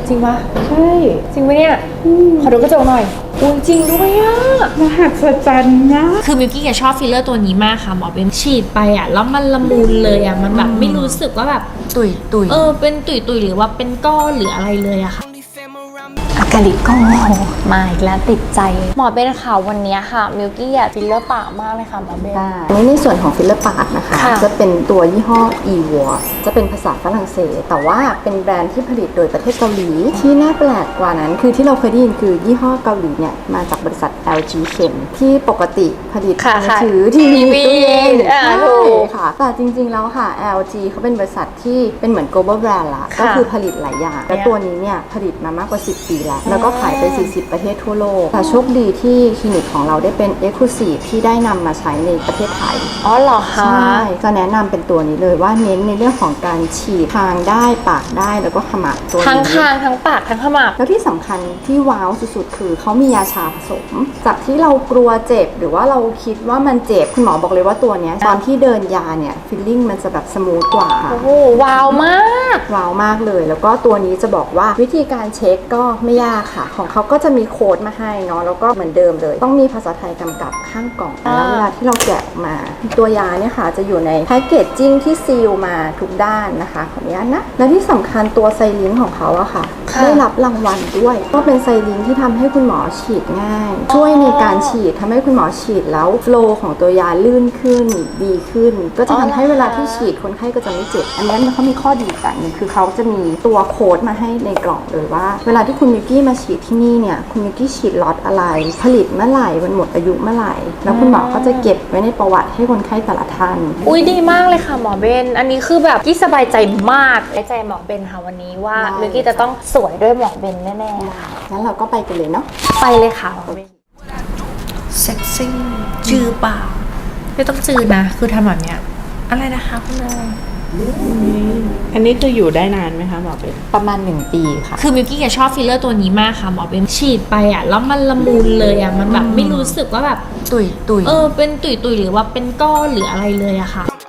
จริงปะใช่จริงปะเนี่ยขอดูกระจกหน่อยอุ้ยจริงด้วยอะมหัศจรรย์นะคือมิวกี้ชอบฟิลเลอร์ตัวนี้มากค่ะหมอเบนฉีดไปอะแล้วมันละมุนเลยอะมันแบบไม่รู้สึกว่าแบบตุยเป็นตุยหรือว่าเป็นก้อนหรืออะไรเลยอะค่ะอากาลิโกมาอีกแล้วติดใจหมอเบนค่ะวันนี้ค่ะมิวกี้อยากฟิลเลอร์ปากมากเลยค่ะหมอเบนอันนี้ในส่วนของฟิลเลอร์ปากนะคะจะเป็นตัวยี่ห้อ EVOR จะเป็นภาษาฝรั่งเศสแต่ว่าเป็นแบรนด์ที่ผลิตโดยประเทศเกาหลีที่น่าแปลกกว่านั้นคือที่เราเคยได้ยินคือยี่ห้อเกาหลีเนี่ยมาจากบริษัท LG Chem ที่ปกติผลิตมือถือทีวีตู้เย็นใช่ค่ะแต่จริงๆแล้วค่ะ LG เขาเป็นบริษัทที่เป็นเหมือน global brand ละก็คือผลิตหลายอย่างและตัวนี้เนี่ยผลิตมามากกว่า10 ปีแล้วก็ขายไป40 ประเทศทั่วโลกแต่โชคดีที่คลินิกของเราได้เป็น Exclusive ที่ได้นำมาใช้ในประเทศไทยอ๋อเหรอคะใช่จะแนะนำเป็นตัวนี้เลยว่าเน้นในเรื่องของการฉีดคางได้ปากได้แล้วก็ขมับตัวนี้ทั้งคางทั้งปากทั้งขมับแล้วที่สำคัญที่ว้าวสุดๆคือเขามียาชาผสมจากที่เรากลัวเจ็บหรือว่าเราคิดว่ามันเจ็บคุณหมอบอกเลยว่าตัวนี้ตอนที่เดินยาเนี่ยฟีลลิ่งมันจะแบบสมูทกว่าโอ้โหว้าวมากว้าวมากเลยแล้วก็ตัวนี้จะบอกว่าวิธีการเช็คก็ไม่ยากค่ะของเขาก็จะมีโค้ดมาให้เนาะแล้วก็เหมือนเดิมเลยต้องมีภาษาไทยกำกับข้างกล่องแล้วเวลาที่เราแกะออกมาตัวยาเนี่ยค่ะจะอยู่ในแพ็กเกจจิ้งที่ซีลมาทุกด้านนะคะขออนุญาตนะและที่สำคัญตัวไซลิงของเขาอะค่ะได้รับรางวัลด้วยก็เป็นไซลิงที่ทำให้คุณหมอฉีดง่ายช่วยในการฉีดทำให้คุณหมอฉีดแล้วโฟลว์ของตัวยาลื่นขึ้นดีขึ้นก็จะทำให้เวลาที่ฉีดคนไข้ก็จะไม่เจ็บอันนี้เขามีข้อดีอย่างนึงคือเขาจะมีตัวโค้ดมาให้ในกล่องเลยว่าเวลาที่คุณมิวกี้มาฉีดที่นี่เนี่ยคุณมิวกี้ฉีดล็อตอะไรผลิตเมื่อไหร่มันหมดอายุเมื่อไหร่แล้วคุณหมอก็จะเก็บไว้ในประวัติให้คนไข้แต่ละท่านอุ้ยดีมากเลยค่ะหมอเบนอันนี้คือแบบกี้สบายใจมากไว้ใจหมอเบนค่ะวันนี้ว่ามิวกี้จะต้องสวยด้วยหมอเบนแน่ๆงั้นเราก็ไปกันเลยเนาะไปเลยค่ะหมอเบนเซ็กซี่จือเปล่าไม่ต้องจือนะคือทำแบบเนี้ยอะไรนะคะคุณนายอันนี้คืออยู่ได้นานไหมคะหมอเป็นประมาณ1 ปีค่ะคือมิวกี้ชอบฟิลเลอร์ตัวนี้มากค่ะหมอเป็นฉีดไปอ่ะแล้วมันละมุนเลยอ่ะมันแบบไม่รู้สึกว่าแบบตุยเป็นตุยหรือว่าเป็นก้อนหรืออะไรเลยอะค่ะ